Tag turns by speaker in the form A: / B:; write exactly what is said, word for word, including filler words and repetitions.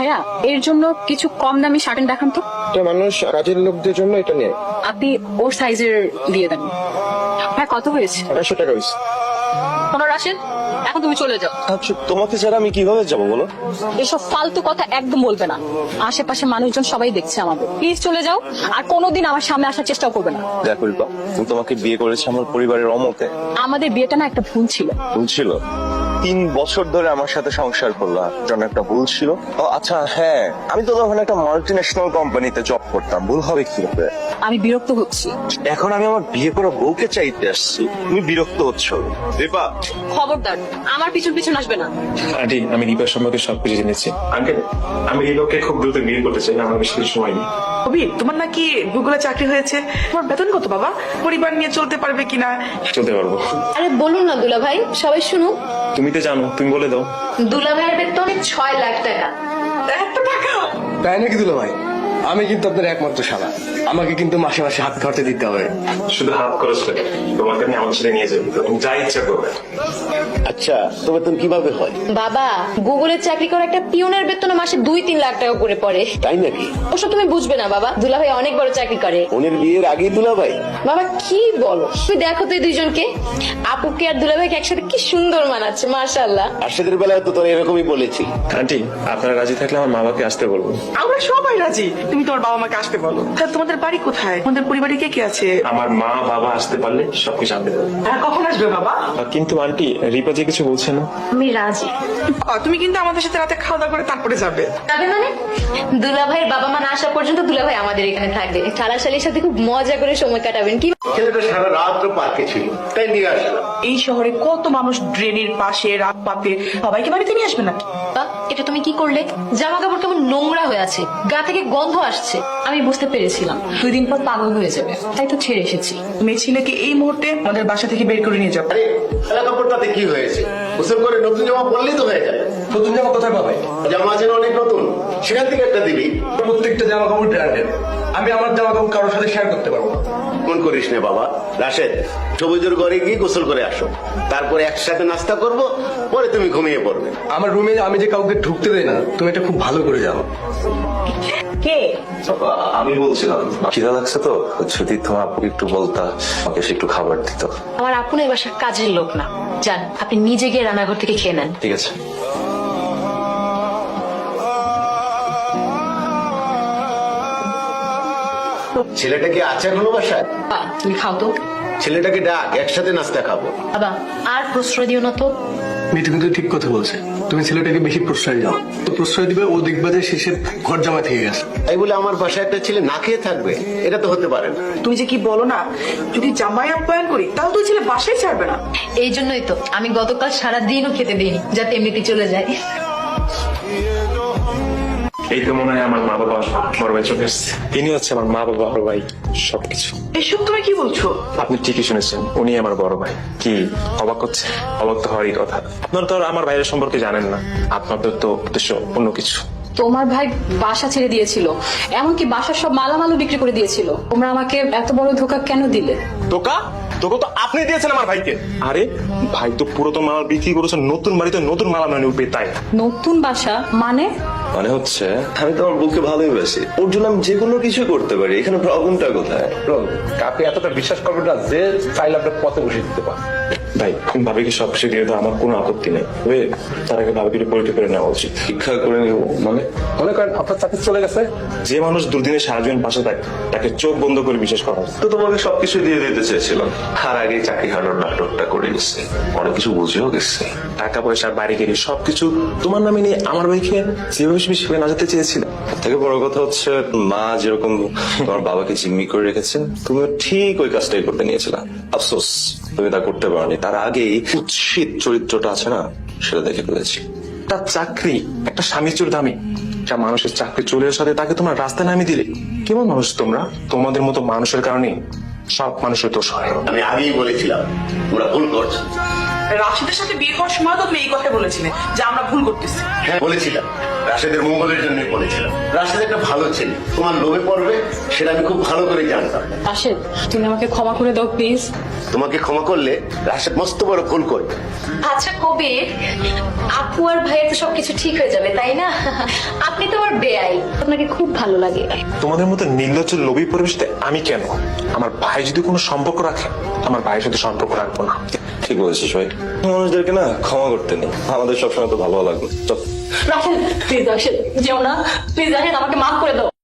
A: ভাইয়া এর জন্য কিছু কম দামি শার্ট দেখান তো।
B: এটা মানুষ কাজের লোকদের জন্য এটা নেয়।
A: আপনি ওর সাইজের দিয়ে দেন। ভাই কত হয়েছে?
B: আড়াইশো টাকা হয়েছে।
A: পনেরো আসেন, এখন তুমি চলে যাও।
B: আচ্ছা তোমাকে ছাড়া আমি কিভাবে যাবো বলো?
A: এসব ফালতু কথা একদম বলবে না, আশেপাশে মানুষজন সবাই দেখছে আমাদের। প্লিজ চলে যাও, আর কোনোদিন আমার সামনে আসার চেষ্টাও করবে না।
B: দেখো রিপা, তুমি তোমাকে বিয়ে করেছে আমার পরিবারের অমতে।
A: আমাদের বিয়েটা না একটা ভুল ছিল।
B: ভুল ছিল? তিন বছর ধরে আমার সাথে সংসার করলা, জন্য একটা ভুল ছিল। ও আচ্ছা হ্যাঁ, আমি তো তখন একটা মাল্টি ন্যাশনাল কোম্পানিতে জব করতাম, ভুল হবে কিভাবে?
A: আমি বিরক্ত হচ্ছি।
B: এখন আমি আমার বিয়ে করা বউকে চাইতে আসছি, তুমি বিরক্ত হচ্ছ। রিপা
A: খবরদার আমার পিছন পিছন আসবে না।
C: আন্টি, আমি রিপার সম্পর্কে সবকিছু জেনেছি। আঙ্কেল, আমি রিপাকে খুব দ্রুত বিয়ে করতে চাই, আমার বেশি কিছু সময় নেই।
D: কবির, তোমার নাকি গুগলে চাকরি হয়েছে? তোমার বেতন কত বাবা? পরিবার নিয়ে চলতে পারবে কিনা?
C: চলতে পারবো।
E: আরে বলুন না দুলা ভাই, সবাই শুনুক।
C: তুমি তো জানো, তুমি বলে দাও।
E: দুলা ভাইয়ের বেতন ছয় লাখ টাকা।
D: এত টাকা?
F: তাই নাকি দুলা ভাই? আমি কিন্তু আপনার একমাত্র শালা, আমাকে কিন্তু মাসে মাসে হাত খরচা দিতে হবে।
C: শুধু হাত খরচ করে তোমাকে আমি আমার ছেলে নিয়ে যাবো, তুমি যা ইচ্ছা করবে।
F: আচ্ছা তো বেতন কিভাবে হয়?
E: বাবা, গুগলে চাকরি করা একটা পিওনের বেতন মাসে দুই তিন লাখ টাকা করে পড়ে।
F: তাই নাকি?
E: ওসব তুমি বুঝবে না বাবা, দুলা ভাই অনেক বড় চাকরি করে।
F: ওনের বিয়ের আগেই দুলা ভাই?
E: বাবা কি বলো, তুমি দেখো তো এই দুইজনকে, আপুকে আর দুলা ভাইকে একসাথে কি সুন্দর মানাচ্ছে, মাশাআল্লাহ।
F: আর্শেদের বেলায় তো তোর এরকমই বলেছি।
C: আন্টি, আপনারা রাজি থাকলে আমার মা বাবাকে আসতে বলবো।
D: আমরা সবাই রাজি, তুমি তোমার বাবা মাকে আসতে বলো। তাহলে তোমাদের বাড়ি কোথায়? তোমাদের পরিবারে কে কে আছে?
C: আমার মা বাবা আসতে পারলে সবকিছু আনতে দেবো।
D: হ্যাঁ, কখন আসবে বাবা?
C: কিন্তু আন্টি, রিপা যে কিছু বলছে না।
E: আমি রাজি।
D: আহ, তুমি কিন্তু আমাদের সাথে রাতে খাওয়া দাওয়া করে তারপরে যাবে।
E: যাবে মানে? দুলা ভাইয়ের বাবা মা না আসা পর্যন্ত দুলা ভাই আমাদের এখানে থাকবে, শালাশালির সাথে খুব মজা করে সময় কাটাবেন। কি
F: ছেলেটা সারা রাত পার্কে ছিল, তাই নিয়ে আসলাম।
D: এই শহরে কত মানুষ ড্রেনের পাশে রাত পাতে, সবাইকে বাড়িতে নিয়ে আসবে নাকি?
E: বাবা, এটা তুমি কি করলে? জামা কাপড় কেমন নোংরা হয়ে আছে, গা থেকে গন্ধ আসছে।
A: আমি বুঝতে পেরেছিলাম দুই দিন পর পাগল হয়ে যাবে, তাই তো ছেড়ে এসেছি।
D: মেয়ে ছেলেকে এই মুহূর্তে আমাদের বাসা থেকে বের করে নিয়ে যাবো।
F: আরে খেলা কাপড়টাতে কি হয়েছে? গোসল করে নতুন জামা পরলেই তো হয়ে যায়। নতুন জামা কোথায় পাবে? জামা আছে না অনেক নতুন, সেখান থেকে একটা দিবি। প্রত্যেকটা জামা কাপড় ব্র্যান্ডেড, আমি আমার জামা কাপড় কারোর সাথে শেয়ার করতে পারবো না। মন করিস না বাবা। রাশেদ, সবুজের ঘরে গিয়ে গোসল করে আসো, তারপরে একসাথে নাস্তা করব, পরে তুমি ঘুমিয়ে পড়বে। আমার রুমে আমি যে কাউকে ঢুকতে দেই না, তুমি এটা খুব ভালো করে জানো।
A: কে?
G: আমি বলছিলাম খিদা লাগছে তো, যদি তোমার আপুকে একটু বলতা, আমাকে সে একটু খাবার দিত।
E: আমার আপন এই বাসার কাজের লোক না, যান আপনি নিজে গিয়ে রান্নাঘর থেকে খেয়ে নেন।
G: ঠিক আছে।
F: ছেলেটাকে আছে এখনো বাসায়?
E: বাবা, তুমি খাও তো।
F: ছেলেটাকে ডাক, একসাথে নাস্তা খাবো।
E: বাবা আর প্রশ্রয় দিও না তো।
F: মিঠু কিন্তু ঠিক কথা বলছে, তুমি ছেলেটাকে বেশি প্রশ্রয় দাও, তো প্রশ্রয় দিবে ও দেখবে যে শেষে ঘর জামা থেকে গেছে। তাই বলে আমার বাসায় একটা ছেলে না খেয়ে থাকবে, এটা তো হতে পারে না।
D: তুমি যে কি বলো না, যদি জামাই আপ্যায়ন করি তাহলে তুই ছেলে বাসায় ছাড়বে না।
E: এই জন্যই তো আমি গতকাল সারা দিনও খেতে দিইনি, যাতে এমনিতে চলে যায়।
C: এই তো মনে হয় আমার মা বাবা বড় ভাই চলে এসছে। ইনি হচ্ছে আমার মা বাবা, বড় ভাই, সবকিছু।
D: এসব তুমি কি বলছো?
C: আপনি ঠিকই শুনেছেন, উনি আমার বড় ভাই। কি অবাক হচ্ছে? অবাক তো হওয়ারই কথা। আপনারা তো আর আমার ভাইয়ের সম্পর্কে জানেন না, আপনাদের তো উদ্দেশ্য অন্য কিছু।
A: তোমার ভাই বাসা ছেড়ে দিয়েছিল, এমনকি বাসার সব মালামালও বিক্রি করে দিয়েছিল। তোমরা আমাকে এত বড় ধোকা কেন দিলে?
C: ধোকা? ধোকা তো আপনি দিয়েছেন আমার ভাইকে। আরে ভাই তো পুরাতন মাল বিক্রি করেছেন, নতুন বাড়িতে নতুন মালা মানে উঠবে, তাই।
A: নতুন বাসা মানে?
G: মানে হচ্ছে আমি তোমার বউকে ভালোই বাসি, ওর জন্য আমি যে কোনো কিছু করতে পারি, এখানে প্রবলেমটা কোথায়?
F: কাকে এতটা বিশ্বাস করবে না যে চাইলে আপনার পথে বসে দিতে পারে।
C: ভাই ভাবিকে সব কিছু দিয়ে দাও, আমার কোনো আপত্তি নেই, তবে তার আগে ভাবিকে পরিচয় করে নেওয়া উচিত।
G: শিক্ষা করে নিব মানে?
F: মনে করেন আপনার চাকরি চলে গেছে,
C: যে মানুষ দুদিনে সারা জীবন পাশে থাকে, তাকে চোখ বন্ধ করে বিশ্বাস করা উচিত।
G: তো তোমাকে সবকিছু দিয়ে দিতে চেয়েছিলাম, আর আগে চাকরি হারানোর নাটকটা করে গেছে, অনেক কিছু বুঝেও গেছে।
C: টাকা পয়সা বাড়ি গেলে সবকিছু তোমার নামে নিয়ে আমার ভাইকে যেভাবে সেভাবে না যেতে চেয়েছিলাম।
G: থেকে বড় কথা হচ্ছে, মা যেরকম তোমার বাবাকে জিম্মি করে রেখেছে, তুমিও ঠিক ওই কাজটাই করতে নিয়েছিলা। আফসোস তুমি তা করতে পারোনি, তার আগেই কুৎসিত চরিত্রটা আছে না, সেটা দেখে ফেলেছি।
C: একটা চাকরি, একটা স্বামীর চোর দামি, যা মানুষের চাকরি চলে আসাতে তাকে তোমার রাস্তায় নামিয়ে দিলে। কেমন মানুষ তোমরা? তোমাদের মতো মানুষের কারণে সব মানুষের দোষ হয়।
F: আমি আগেই বলেছিলাম ওরা ভুল করছে।
D: রাশিদের সাথে বিয়ে করার সময় তো তুমি এই কথা বলেছিলে যে আমরা ভুল করতেছি।
F: হ্যাঁ বলেছিলাম, রাশেদের মঙ্গলের জন্যই বলেছিলাম। রাশেদ একটা ভালো ছেলে, তোমার লোভে পড়বে সেটা আমি খুব ভালো করে জানতাম।
A: রাশেদ, তুমি আমাকে ক্ষমা করে দাও প্লিজ।
F: তোমাকে ক্ষমা করলে রাশেদ মস্ত বড় ভুল করবে।
E: আচ্ছা কবির, আপু আর ভাইয়ের তো সবকিছু ঠিক হয়ে যাবে তাই না? আপনি তো আমার বেয়াই, আপনাকে খুব ভালো লাগে।
C: তোমাদের মতো নির্লজ্জ লোভী পরিবেশতে আমি কেন? আমার ভাই যদি কোনো সম্পর্ক রাখে, আমার ভাইয়ের সাথে সম্পর্ক রাখবো না।
G: ঠিক বলেছিস ভাই, মানুষদেরকে না ক্ষমা করতে নেই, আমাদের সবসময় তো ভালো লাগবে। চল
A: রাশেদ প্লিজ, রাশেদ যেও না প্লিজ, রাশেদ আমাকে মাফ করে দাও।